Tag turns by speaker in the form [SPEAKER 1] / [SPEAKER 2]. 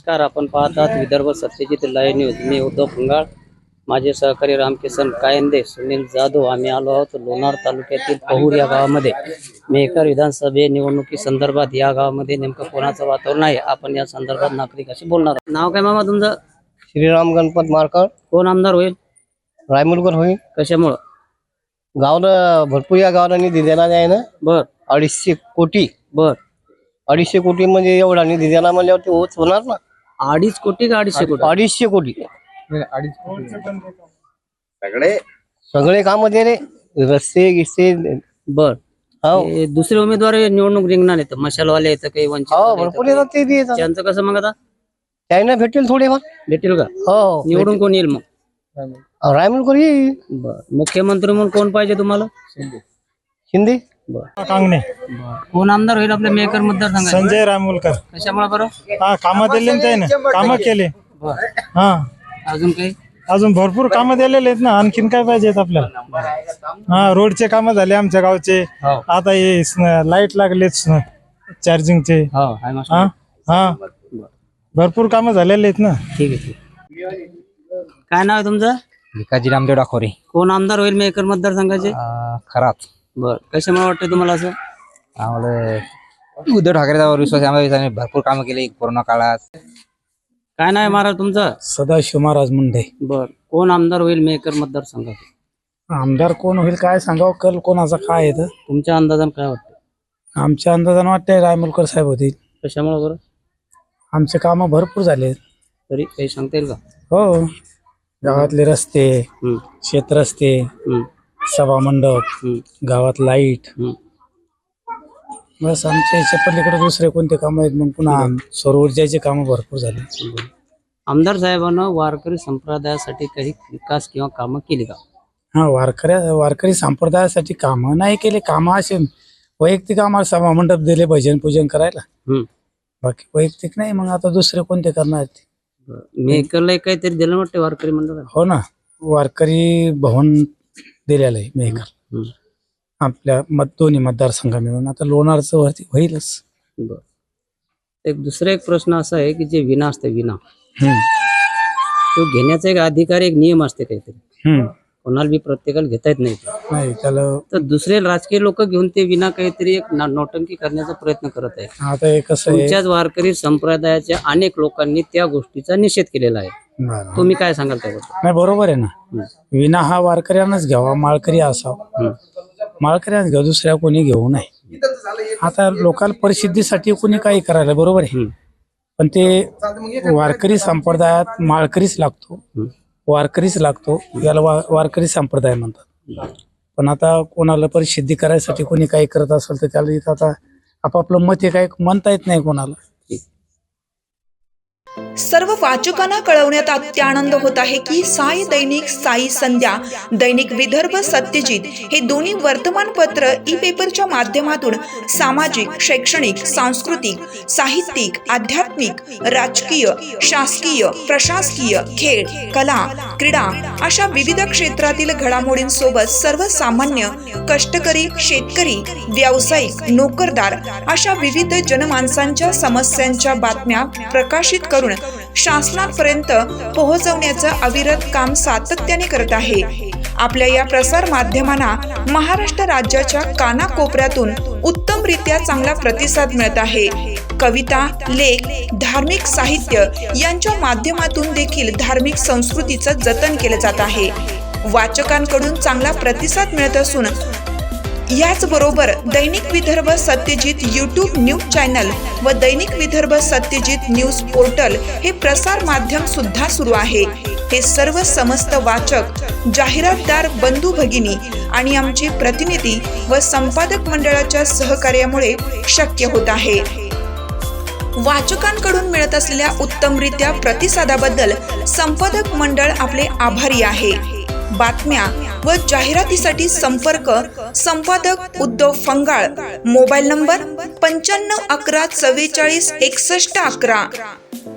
[SPEAKER 1] नमस्कार, आपण पाहतात विदर्भ सत्यजित लाईव्ह न्यूज. मी उद्धव फंगाळ, माझे सहकारी रामकिसन कायंदे, सुनील जाधव. आम्ही आलो आहोत लोणार तालुक्यातील पहूर या गावामध्ये. मेहकर विधानसभे निवडणुकी संदर्भात या गावामध्ये नेमकं कोणाचं वातावरण आहे, आपण या संदर्भात नागरिकाशी बोलणार आहोत. नाव काय मामा तुमचं?
[SPEAKER 2] श्रीराम गणपत मारकर.
[SPEAKER 1] कोण आमदार होईल?
[SPEAKER 2] रायमुलकर होईल.
[SPEAKER 1] कशामुळं?
[SPEAKER 2] गावाला भरपूर या गावाला निधी देणार आहे ना.
[SPEAKER 1] बर
[SPEAKER 2] 250 कोटी.
[SPEAKER 1] बर
[SPEAKER 2] 250 कोटी म्हणजे एवढा निधी देणार म्हणल्यावरती होत होणार ना.
[SPEAKER 1] 2.5 कोटी का 250 कोटी?
[SPEAKER 2] 250 कोटी सगळे काम दे रे, रस्ते गिस्ते.
[SPEAKER 1] बर
[SPEAKER 2] हो
[SPEAKER 1] हे दुसरे उमेदवार निवडणूक रिंगणार आहेत, मशालवाले आहेत काही, वंचित
[SPEAKER 2] हो भरपूर येतात ते बी येतात.
[SPEAKER 1] त्यांचं कसं मग आता
[SPEAKER 2] त्यांना भेटेल थोडेफार.
[SPEAKER 1] भेटेल का?
[SPEAKER 2] हो
[SPEAKER 1] निवडून कोण येईल मग?
[SPEAKER 2] रायमुलकर येईल.
[SPEAKER 1] बर मुख्यमंत्री म्हणून कोण पाहिजे तुम्हाला?
[SPEAKER 2] शिंदे.
[SPEAKER 1] बर
[SPEAKER 3] कांगणे.
[SPEAKER 1] कोण आमदार होईल आपल्या मेकर मतदारसंघात?
[SPEAKER 3] संजय रामोलकर.
[SPEAKER 1] कशामुळे बरं?
[SPEAKER 3] हा कामं दिले ना त्याने, कामं केले.
[SPEAKER 1] बर
[SPEAKER 3] हा
[SPEAKER 1] अजून काही?
[SPEAKER 3] अजून भरपूर कामं दिलेले आहेत ना, आणखीन काय पाहिजेत आपल्याला? हा रोडचे कामं झाले आमच्या गावचे.
[SPEAKER 1] हो
[SPEAKER 3] आता हे लाईट लागलेत चार्जिंगचे.
[SPEAKER 1] हो आहे मस्त.
[SPEAKER 3] हा हा भरपूर कामं झालेले आहेत ना.
[SPEAKER 1] ठीक आहे ठीक आहे. काय नाव आहे तुमचं?
[SPEAKER 4] भिकाजी रामदेव डाकोरे.
[SPEAKER 1] कोण आमदार होईल मेकर मतदारसंघाचे?
[SPEAKER 4] खराच
[SPEAKER 1] बर कशामुळे वाटतं तुम्हाला असं?
[SPEAKER 4] आम्हाला उद्धव ठाकरेचा विश्वास आहे. आम्हाला भरपूर कामं केली कोरोना काळात.
[SPEAKER 1] काय नाव आहे महाराज तुमचं?
[SPEAKER 3] सदाशिव महाराज मुंडे.
[SPEAKER 1] बर कोण आमदार होईल मेकर मतदारसंघात?
[SPEAKER 3] आमदार कोण होईल काय सांगावं, कल कोणाचा काय आहे?
[SPEAKER 1] तुमच्या अंदाजानं काय वाटतं?
[SPEAKER 3] आमच्या अंदाजानं वाटतंय रायमुलकर साहेब होतील.
[SPEAKER 1] कशामुळे बरं?
[SPEAKER 3] आमचे कामं भरपूर झाले.
[SPEAKER 1] तरी काही सांगता येईल का?
[SPEAKER 3] हो गावातले रस्ते,
[SPEAKER 1] हम्म,
[SPEAKER 3] शेत रस्ते,
[SPEAKER 1] हम्म,
[SPEAKER 3] सभा मंडप,
[SPEAKER 1] हम्म,
[SPEAKER 3] गावात लाईट.
[SPEAKER 1] हम्म.
[SPEAKER 3] बस आमच्या याच्या पलीकडे दुसरे कोणते काम आहेत? मग पुन्हा सौर ऊर्जाचे कामं भरपूर झाले.
[SPEAKER 1] आमदार साहेबांना वारकरी संप्रदायासाठी काही विकास किंवा कामं केली का?
[SPEAKER 3] हा वारकरी संप्रदायासाठी कामं नाही केले. कामं असे वैयक्तिक आम्हाला सभा मंडप दिले भजन पूजन करायला,
[SPEAKER 1] हम्म.
[SPEAKER 3] बाकी वैयक्तिक नाही. मग आता दुसरे कोणते करणार ते?
[SPEAKER 1] मेकरला काहीतरी दिलं वाटतं वारकरी मंडळाला.
[SPEAKER 3] हो ना, वारकरी भवन दिलेलं आहे मेकर
[SPEAKER 1] हम्म.
[SPEAKER 3] आपल्या दोन्ही मतदारसंघ मिळून. आता लोणारचं वरती होईलच.
[SPEAKER 1] बर दुसरा एक प्रश्न असा आहे की जे विना असते विना,
[SPEAKER 3] हम्म,
[SPEAKER 1] तो घेण्याचा एक अधिकार, एक नियम असते काहीतरी.
[SPEAKER 3] हम्म.
[SPEAKER 1] कोणाला बी प्रत्येकाला घेता येत नाही.
[SPEAKER 3] नाही त्याला
[SPEAKER 1] तर दुसरे राजकीय लोक घेऊन ते विना काहीतरी एक नौटंकी करण्याचा प्रयत्न करत आहे.
[SPEAKER 3] आता हे कसं आहे,
[SPEAKER 1] तुमच्याच वारकरी संप्रदायाच्या अनेक लोकांनी त्या गोष्टीचा निषेध केलेला आहे.
[SPEAKER 3] बरं.
[SPEAKER 1] तुम्ही काय सांगाल त्याबद्दल?
[SPEAKER 3] नाही बरोबर आहे ना. विना हा वारकऱ्यांनाच घ्यावा, माळकरी असावा. माळकऱ्यांनाच घ्यावा, दुसऱ्या कोणी घेऊ नये. आता लोकांना परिस्थितीसाठी कोणी काही करायला बरोबर आहे, पण ते वारकरी संप्रदायात माळकरीच लागतो, वारकरीच लागतो. याला वारकरी संप्रदाय म्हणतात. पण आता कोणाला परिसिद्धी करायसाठी कोणी काही करत असेल तर त्याला इथं आता आपापलं मत हे काही म्हणता येत नाही कोणाला.
[SPEAKER 5] सर्व वाचकांना कळवण्यात अत्यानंद होत आहे की साई दैनिक, साई संध्या, दैनिक विदर्भ सत्यजित हे दोन्ही वर्तमानपत्र ई पेपरच्या माध्यमातून सामाजिक, शैक्षणिक, सांस्कृतिक, साहित्यिक, आध्यात्मिक, राजकीय, शासकीय, प्रशासकीय, खेळ, कला, क्रीडा अशा विविध क्षेत्रातील घडामोडींसोबत सर्वसामान्य, कष्टकरी, शेतकरी, व्यावसायिक, नोकरदार अशा विविध जनमानसांच्या समस्यांच्या बातम्या प्रकाशित करून शासनापर्यंत पोहोचवण्याचं अविरत काम सातत्याने करत आहे. आपल्या या प्रसार माध्यमांना महाराष्ट्र राज्याच्या कानाकोपऱ्यातून उत्तमरित्या चांगला प्रतिसाद मिळत आहे. कविता, लेख, धार्मिक साहित्य यांच्या माध्यमातून देखील धार्मिक संस्कृतीचं जतन केलं जात आहे. वाचकांकडून चांगला प्रतिसाद मिळत असून याचबरोबर दैनिक Vidarbha Satyajit YouTube news channel व दैनिक विदर्भ सत्यजित न्यूज पोर्टल हे प्रसार माध्यम सुद्धा सुरू आहे. हे सर्व समस्त वाचक, जाहिरातदार, बंधू भगिनी आणि आमचे प्रतिनिधी व संपादक मंडळाच्या सहकार्यामुळे शक्य होत आहे. वाचकांकडून मिळत असलेल्या उत्तमरित्या प्रतिसादाबद्दल संपादक मंडळ आपले आभारी आहे. बातम्या व जाहिरातीसाठी संपर्क संपादक उद्धव फंगाळ. Mobile number 95 11 44 61 11.